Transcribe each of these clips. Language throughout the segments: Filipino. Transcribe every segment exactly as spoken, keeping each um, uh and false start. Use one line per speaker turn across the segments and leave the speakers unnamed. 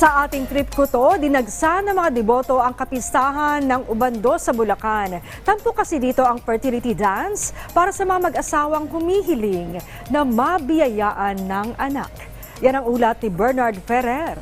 Sa ating trip ko to, dinagsa ng mga deboto ang kapistahan ng Ubando sa Bulacan. Tampo kasi dito ang fertility dance para sa mga mag-asawang humihiling na mabiyayaan ng anak. Yan ang ulat ni Bernard Ferrer.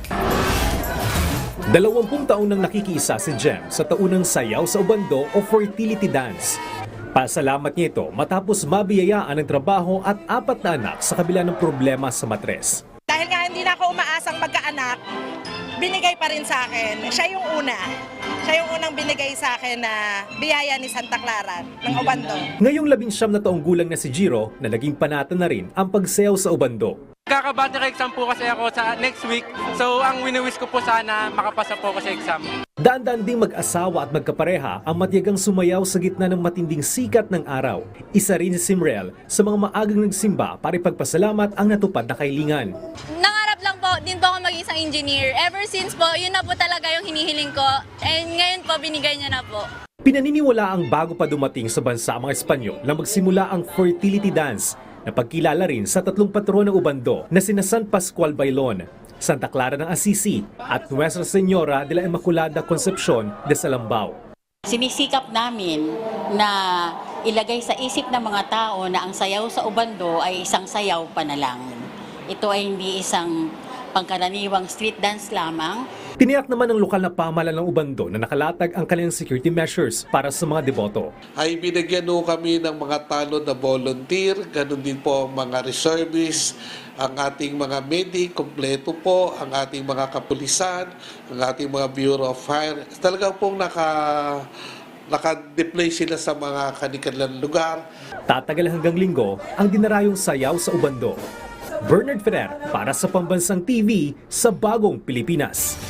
Dalawampung taon nang nakikiisa si Jem sa taunang sayaw sa Ubando o fertility dance. Pasalamat niya ito matapos mabiyayaan ng trabaho at apat na anak sa kabila ng problema sa matres.
Dahil nga hindi na ako umaasang magkaanak, binigay pa rin sa akin. Siya yung una. Siya yung unang binigay sa akin na biyaya ni Santa Clara ng Ubando.
Ngayong labing siyam na taong gulang na si Jiro na naging panata na rin ang pagsayaw sa Ubando.
Kaka-battery exam po kasi ako sa next week. So ang wini-wish ko po sana makapasa po ako sa exam.
Daan-daan ding mag-asawa at magkapareha ang matiyagang sumayaw sa gitna ng matinding sikat ng araw. Isa rin si Simrel sa mga maagang nagsimba para ipagpasalamat ang natupad na kahilingan.
Nangarap lang po din po ako maging isang engineer. Ever since po, yun na po talaga yung hinihiling ko. And ngayon po, binigay niya na po.
Pinaniniwala ang bago pa dumating sa bansa ang mga Espanyol na magsimula ang fertility dance na pagkilala rin sa tatlong patron ng Ubando na sina San Pascual Bailon, Santa Clara ng Assisi at Nuestra Señora de la Inmaculada Concepcion de Salambao.
Sinisikap namin na ilagay sa isip ng mga tao na ang sayaw sa Ubando ay isang sayaw panalangin. Ito ay hindi isang pangkaraniwang street dance lamang.
Tiniyak naman ng lokal na pamahalaan ng Ubando na nakalatag ang kanilang security measures para sa mga deboto.
Ay binigyan ho kami ng mga tanod na volunteer, ganun din po ang mga reservists, ang ating mga medic, kompleto po, ang ating mga kapulisan, ang ating mga Bureau of Fire. Talagang pong naka, naka-deploy sila sa mga kanilang lugar.
Tatagal hanggang linggo ang dinarayong sayaw sa Ubando. Bernard Ferrer para sa Pambansang T V sa Bagong Pilipinas.